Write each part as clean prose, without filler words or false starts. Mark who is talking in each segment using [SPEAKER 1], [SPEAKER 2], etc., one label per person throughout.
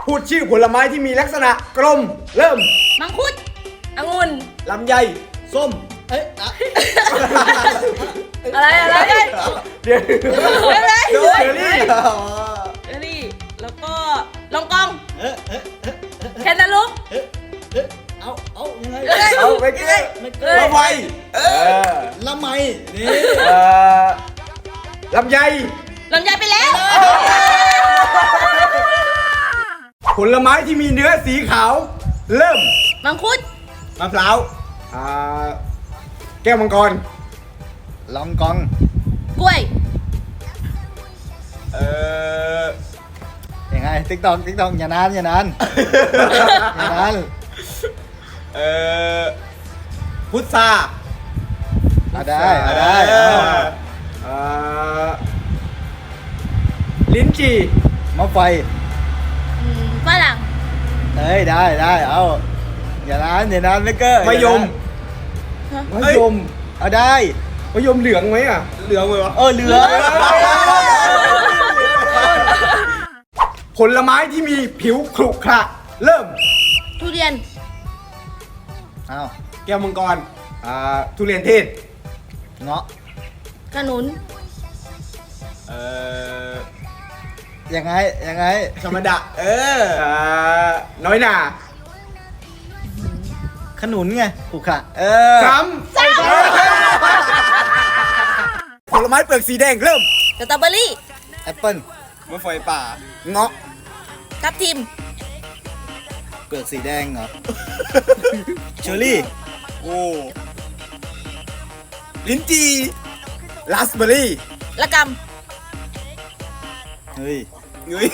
[SPEAKER 1] พูดชื่อผลไม้ที่มีลักษณะกลม เริ่ม
[SPEAKER 2] มังคุดองุ่น
[SPEAKER 1] ลำไย ส้ม
[SPEAKER 2] อะไร
[SPEAKER 1] เดี๋ยว
[SPEAKER 2] อะไร
[SPEAKER 1] เชอรี่
[SPEAKER 2] เอรี่แล้วก็ลองกองแคนตาลูป
[SPEAKER 3] เอายังไง
[SPEAKER 1] เอาไปเกลือลำไย
[SPEAKER 3] ละไมนี่
[SPEAKER 1] ลำไย
[SPEAKER 2] ลำไยไปแล้ว
[SPEAKER 1] ผลไม้ที่มีเนื้อสีขาว เริ่ม
[SPEAKER 2] มังคุด
[SPEAKER 1] มะพร้าวแก้วมังกร
[SPEAKER 3] ลองกอง
[SPEAKER 2] กล้วย
[SPEAKER 3] ยังไงติ๊กตอกอย่านานอย่านาน
[SPEAKER 1] พุทรา
[SPEAKER 3] ได้
[SPEAKER 1] ลิ้นจี่
[SPEAKER 3] มะไฟ
[SPEAKER 2] ฝรั่ง
[SPEAKER 3] ได้เอาอย่านานไม่เก้อ
[SPEAKER 1] มะยม
[SPEAKER 3] มะยมเอาได้
[SPEAKER 1] มะยมเหลืองไหมอ่ะ เหลืองเลยวะ
[SPEAKER 3] เหลือง
[SPEAKER 1] ผลไม้ที่มีผิวขรุขระเริ่ม
[SPEAKER 2] ทุเรียน
[SPEAKER 3] เอา
[SPEAKER 1] แก้วมังกรทุเรียนเทศ
[SPEAKER 3] เงาะ
[SPEAKER 2] ขนุน
[SPEAKER 3] ยังไง
[SPEAKER 1] ธรรมดาน้อยหนา
[SPEAKER 3] ขนุนไงผูกขะ
[SPEAKER 1] ซ้ำผลไม้เปลือกสีแดงเริ่ม
[SPEAKER 2] สตรอเบอรี่
[SPEAKER 3] แอปเปิ้ล
[SPEAKER 1] มะไฟป่า เงาะ
[SPEAKER 2] ทับทิม
[SPEAKER 3] เปลือกสีแดงเหรอ เชอร์รี่
[SPEAKER 1] โอ้ลิ้นจี่ราสเบอร์รี่
[SPEAKER 2] ละก
[SPEAKER 3] เฮ้ย
[SPEAKER 1] เฮ้ย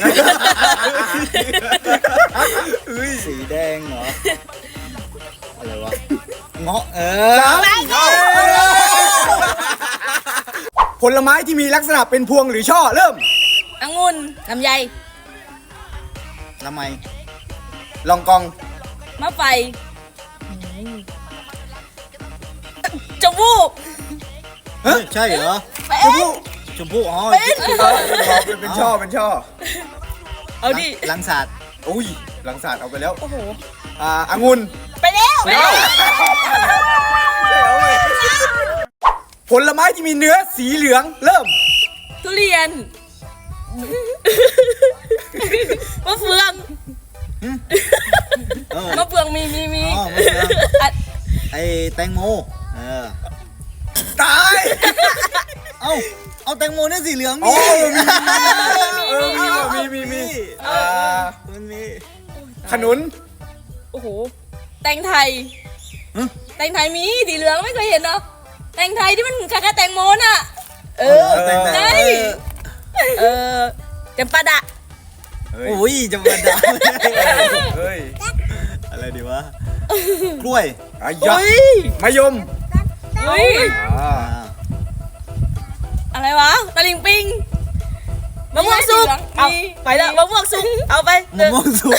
[SPEAKER 1] เฮ้ย
[SPEAKER 3] สีแดงเหรอ อะไรวะ เงาะ
[SPEAKER 1] ผลไม้ที่มีลักษณะเป็นพวงหรือช่อเริ่ม
[SPEAKER 2] ำองุ่นลำไย
[SPEAKER 3] ละไม
[SPEAKER 1] ลองกอง
[SPEAKER 2] มะไฟจมูก
[SPEAKER 3] เฮ้ยใช่เหรอ
[SPEAKER 2] เป็น
[SPEAKER 3] ชมพู่อ๋อ
[SPEAKER 1] เป็นช่อเป็นช่อ
[SPEAKER 2] เอาดิ
[SPEAKER 3] ลังศาสตร์
[SPEAKER 1] อุ้ยหลังศาสตร์เอาไปแล้ว
[SPEAKER 2] โอ้โห
[SPEAKER 1] องุ่น
[SPEAKER 2] ไปแล้ว
[SPEAKER 1] ผลไม้ที่มีเนื้อสีเหลืองเริ่ม
[SPEAKER 2] ทุเรียนมะเฟือง มะเฟืองมี
[SPEAKER 3] อ๋อมะเฟือง
[SPEAKER 2] อ่ะ
[SPEAKER 3] ไอแตงโม
[SPEAKER 1] ตาย
[SPEAKER 3] เอาแตงโมเนี่ยสีเหลือง
[SPEAKER 1] โอ้
[SPEAKER 3] มี มันมี
[SPEAKER 1] ขนุน
[SPEAKER 2] โอ้โหแตงไทยแตงไทยมีสีเหลืองไม่เคยเห็นเนาะแตงไทยที่มันคล้ายๆแตงโมน่ะใช่จำปาดะ
[SPEAKER 3] โอ้ยจะมาด่า
[SPEAKER 1] เฮ้ย
[SPEAKER 3] อะไรดีวะ กล้วย
[SPEAKER 1] ยักมะยม
[SPEAKER 2] เฮ้ยอะไรวะตะลิงปิงมะม่วงสุกเอาไปแล้วมะม่วงสุกเอาไป
[SPEAKER 3] มะม่วงสุก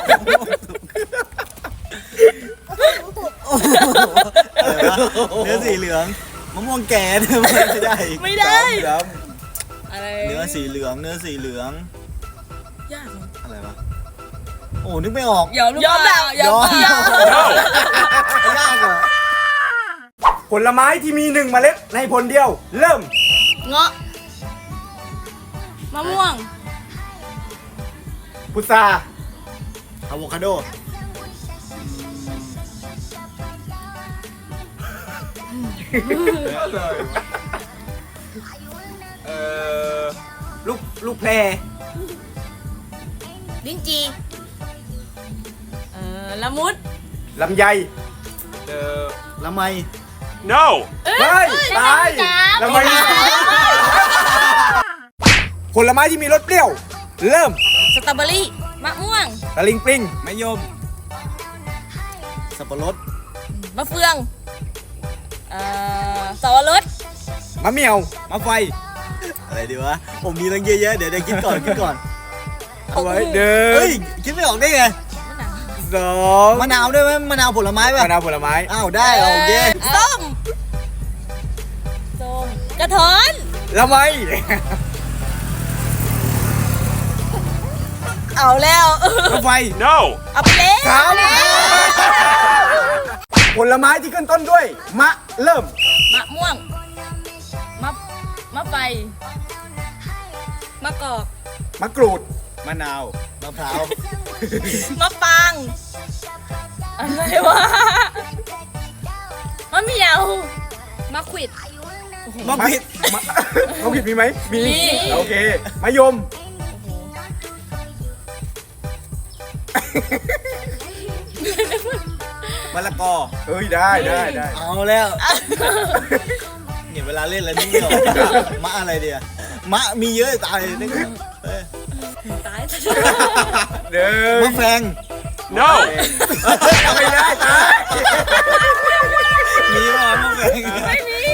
[SPEAKER 3] เนื้อสีเหลืองมะม่วงแก่เนี่ยไม่ได้
[SPEAKER 2] ไม่ได้อะไร
[SPEAKER 3] เนื้อสีเหลือง
[SPEAKER 2] ยาก
[SPEAKER 3] อะไรวะ โอ้นึกไม่ออก
[SPEAKER 2] ยอมแบบยอม
[SPEAKER 3] ยากเหรอ
[SPEAKER 1] ผลไม้ที่มี1 เมล็ดในผลเดียว เริ่ม
[SPEAKER 2] เงาะมะม่วง
[SPEAKER 1] พุทรา
[SPEAKER 3] อะโวคาโด
[SPEAKER 1] ลูกแพร
[SPEAKER 2] ลิ้นจีละมุด
[SPEAKER 1] ลำไย
[SPEAKER 3] ละไม
[SPEAKER 4] No!
[SPEAKER 1] เฮ้ยตายลำไยผลไม้ที่มีรสเปรี้ยว เริ่ม
[SPEAKER 2] สตรอเบอรี่มะม่วง
[SPEAKER 1] ตะลิงปริงมะยม
[SPEAKER 3] สับปะรด
[SPEAKER 2] มะเฟืองสับปะรด
[SPEAKER 1] มะเหมี่ยวมะไฟ
[SPEAKER 3] อะไรดีวะ ผมมีตั้งเยอะแยะเดี๋ยวคิดก่อน
[SPEAKER 1] เอาไว้เดิ
[SPEAKER 3] เฮ้
[SPEAKER 1] น
[SPEAKER 3] ย คิดไม่ออกได้ไง
[SPEAKER 1] สอง
[SPEAKER 3] มะนาวด้วยไหมมะนาวผลไม้ป่ะ
[SPEAKER 1] มะนาวผลไม้
[SPEAKER 3] อ้าวได้โอเค
[SPEAKER 2] ส้มกระท้อน
[SPEAKER 1] ละไม
[SPEAKER 2] เอาแล้ว
[SPEAKER 3] รถไฟ
[SPEAKER 4] No!
[SPEAKER 2] เอาไปแล้ว
[SPEAKER 1] ถามผลไม้ที่ขึ้นต้นด้วย มะเริ่ม
[SPEAKER 2] มะม่วงมะไฟมะกอก
[SPEAKER 1] มะกรูด
[SPEAKER 3] มะนาว มะพร้าว
[SPEAKER 2] มะปาง อะไรวะมะเหมียวมะขวิด
[SPEAKER 3] มะผิด
[SPEAKER 1] มะมะผิดมีไหม มี
[SPEAKER 2] มี
[SPEAKER 1] โอเค มะยม
[SPEAKER 3] มะละกอ
[SPEAKER 1] เอ้ยได้ได้ได้
[SPEAKER 3] เอาแล้วเนี่ยเวลาเล่นแล้วนี่ไม่ออกมะอะไรเดียมะมีเยอะตายนี่ก็เอ้ย
[SPEAKER 2] ตาย
[SPEAKER 1] เด้อ
[SPEAKER 3] มะแฟง
[SPEAKER 4] No!
[SPEAKER 1] ไม่ได้ตาย
[SPEAKER 3] มีว่ามะแฟง
[SPEAKER 2] ไม่มี